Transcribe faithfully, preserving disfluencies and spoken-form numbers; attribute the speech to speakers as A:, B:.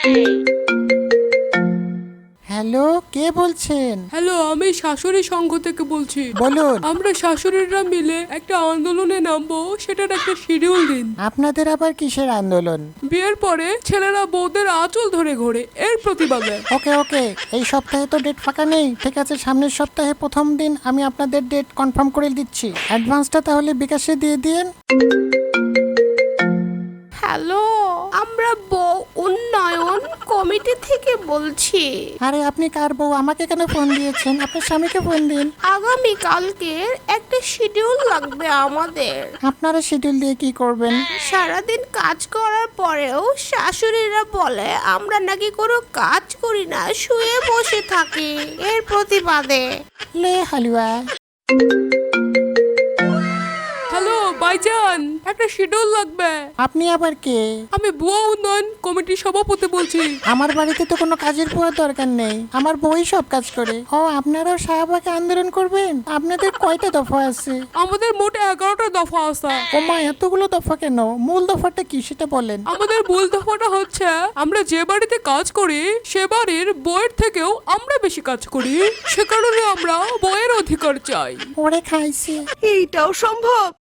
A: Hello, কে বলছেন?
B: Hello, আমি শাশুড়ি সংঘ থেকে বলছি।
A: বলুন।
B: আমরা শাশুড়িরা মিলে একটা আন্দোলনে নামবো, সেটার একটা শিডিউল দিন।
A: আপনাদের আবার কিসের আন্দোলন?
B: বিয়ের পরে ছেলেরা বউদের আঁচল ধরে ঘোরে, এর প্রতিবাদে।
A: ওকে ওকে, এই সপ্তাহে তো ডেট ফাঁকা নেই। ঠিক আছে, সামনের সপ্তাহে প্রথম দিন আমি আপনাদের ডেট কনফার্ম করে দিচ্ছি। অ্যাডভান্সটা তাহলে বিকাশে দিয়ে দিন।
C: হ্যালো, আমরা বউ উন্নয়ন কমিটি থেকে বলছি।
A: আরে আপনি কার বউ? আমাকে কেন ফোন দিয়েছেন? আপনার স্বামীকে ফোন দিন।
C: আগামী কালকের একটা শিডিউল লাগবে আমাদের।
A: আপনারা শিডিউল দিয়ে কি করবেন?
C: সারাদিন কাজ করার পরেও শাশুড়িরা বলে আমরা নাকি কোনো কাজ করি না, শুয়ে বসে থাকি, এর প্রতিবাদে।
A: লে হালুয়া।
B: হ্যালো ভাইজান, একটা শিডিউল লাগবে।
A: আপনি আবার কে?
B: আমি বুয়া উন্নয়ন কমিটির সভাপতি বলছি।
A: আমার বাড়িতে তো কোনো কাজের পোয়ার দরকার নেই, আমার বউই সব কাজ করে। ও, আপনারাও শাহবাগে আন্দোলন করবেন? আপনাদের কয়টা দফা আছে?
B: আমাদের মোট এগারোটা দফা আছে।
A: ও মা, এতগুলো দফা কেন? মূল দফাটা কি সেটা বলেন।
B: আমাদের মূল দফাটা হচ্ছে, আমরা যে বাড়িতে কাজ করি সে বাড়ির বইয়ের থেকেও আমরা বেশি কাজ করি, সে কারণে আমরা বইয়ের অধিকার চাই।
A: ওরে খাইছে।
D: এইটাও সম্ভব?